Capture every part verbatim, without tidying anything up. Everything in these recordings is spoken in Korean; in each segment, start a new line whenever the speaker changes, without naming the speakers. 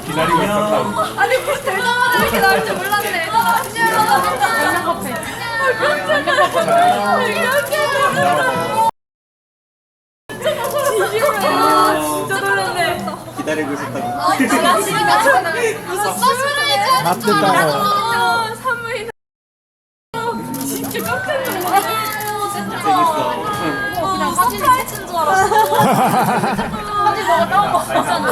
기다리고 있었다.
아니 뭐 대답하는 이렇게 나올 줄 몰랐네. 안녕. 안녕 커피. 안녕 커피. 진짜 놀랐네.
기다리고 있었다고.
아 진짜 진짜 무슨 서프라이즈
맞는다고.
선물이 진짜 깜짝 놀랐어. 진짜
재밌어.
그냥 서프라이즈인 줄 알았어. 사진 먹어 따온 거 같잖아.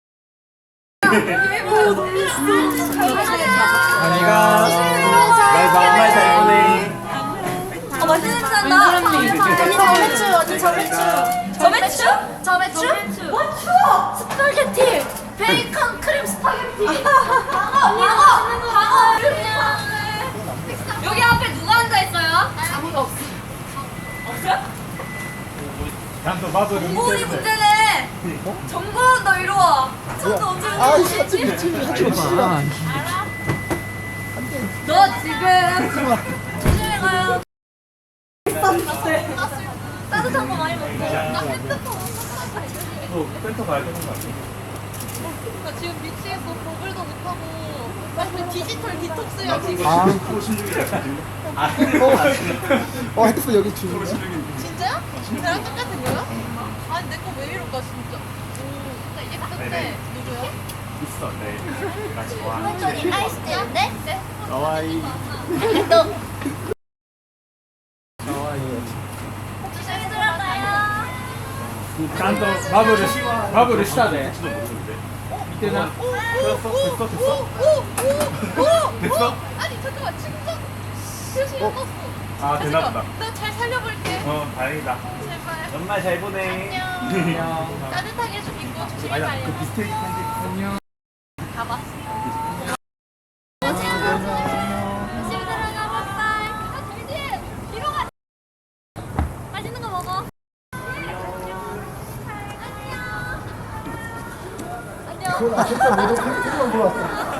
아니가 날 정말 잘 보내.
어 맛있는 냄새 난다. 언니 저매추 언니 저매추. 저매추? 저매추? 와 추워. 스파게티. 베이컨 크림 스파게티. 방어 언니가 방어 그냥. 여기 앞에 누가 앉아 있어요? 아무도 없어. 없어요?
난또 봐도
정보원이 문제네. 정보원 너 이리 와. 정보 언제
아,
오지?
하지 미친 하지 마.
너 지금 조심히 가요. 따뜻한 거 많이 먹고. 나 핸드폰
또 센터 가야 되는 거 같아.
나 지금 미치겠어. 버블도 못하고. 나 지금 디지털 디톡스야 지금.
아,
또 신중이다. 아,
어 헤드폰 여기 주는
진짜요? 나랑 똑같은 거요? 아니 내 거 왜 이럴까 진짜. 오, 나 예쁜데
네네.
누구요?
있어, 네. 나 좋아하는.
아이스티요? 네? 네.
너와이.
너
나와요.
조심히 들어가요.
짠또 마블을 마블을 시다네. 이때는 됐어, 됐어, 됐어. 됐어?
아니 잠깐만 충전 표시 떴어.
아, 되나 보다.
나잘 살려볼게.
어, 다행이다.
제발.
연말 잘 보내.
안녕. 따뜻하게 좀 입고 조심히
아니야,
가요.
그 비스테이크 편지. 안녕.
가봐. 조심히 들어가 바이바이. 아 정진 뒤로 가. 맛있는 거 먹어. 안녕. 안녕.
그건 아쉽다. 내가 핸드폰 들어왔어.